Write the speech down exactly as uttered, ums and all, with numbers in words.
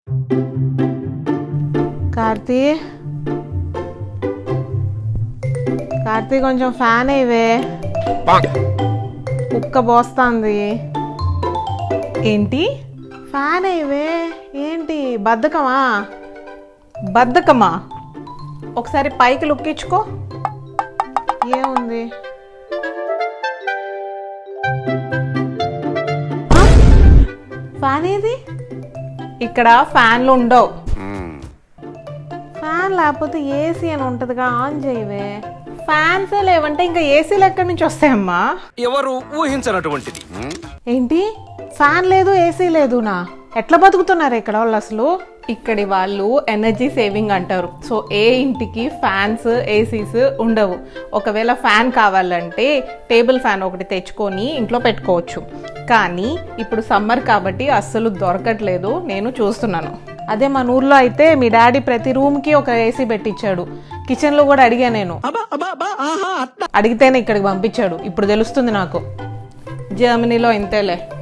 కార్తీ కార్తీ కొంచెం ఫ్యాన్ అయ్యవే, కుక్క పోస్తుంది. ఏంటి? ఫ్యాన్ అయ్యవే. ఏంటి బద్ధకమా? బద్ధకమా? ఒకసారి పైకి లుక్కించుకో. ఏముంది? ఫ్యాన్ ఏది? ఇక్కడ ఫ్యాన్లు ఉండవు. ఫ్యాన్ లేకపోతే ఏసీ అని ఉంటదిగా, ఆన్ చేయవే. ఫ్యాన్స్ లేవంటే ఇంకా ఏసీలు ఎక్కడి నుంచి వస్తాయమ్మా? ఎవరు ఊహించనటువంటిది. ఏంటి ఫ్యాన్ లేదు ఏసీ లేదునా? ఎట్లా బతుకుతున్నారు ఇక్కడ వాళ్ళు అసలు? ఇక్కడి వాళ్ళు ఎనర్జీ సేవింగ్ అంటారు. సో ఏ ఇంటికి ఫ్యాన్స్ ఏసీస్ ఉండవు. ఒకవేళ ఫ్యాన్ కావాలంటే టేబుల్ ఫ్యాన్ ఒకటి తెచ్చుకొని ఇంట్లో పెట్టుకోవచ్చు. కానీ ఇప్పుడు సమ్మర్ కాబట్టి అస్సలు దొరకట్లేదు, నేను చూస్తున్నాను. అదే మన ఊర్లో అయితే మీ డాడీ ప్రతి రూమ్కి ఒక ఏసీ పెట్టించాడు. కిచెన్లో కూడా అడిగా నేను, అడిగితేనే ఇక్కడికి పంపించాడు. ఇప్పుడు తెలుస్తుంది నాకు. జర్మనీలో ఇంతేలే.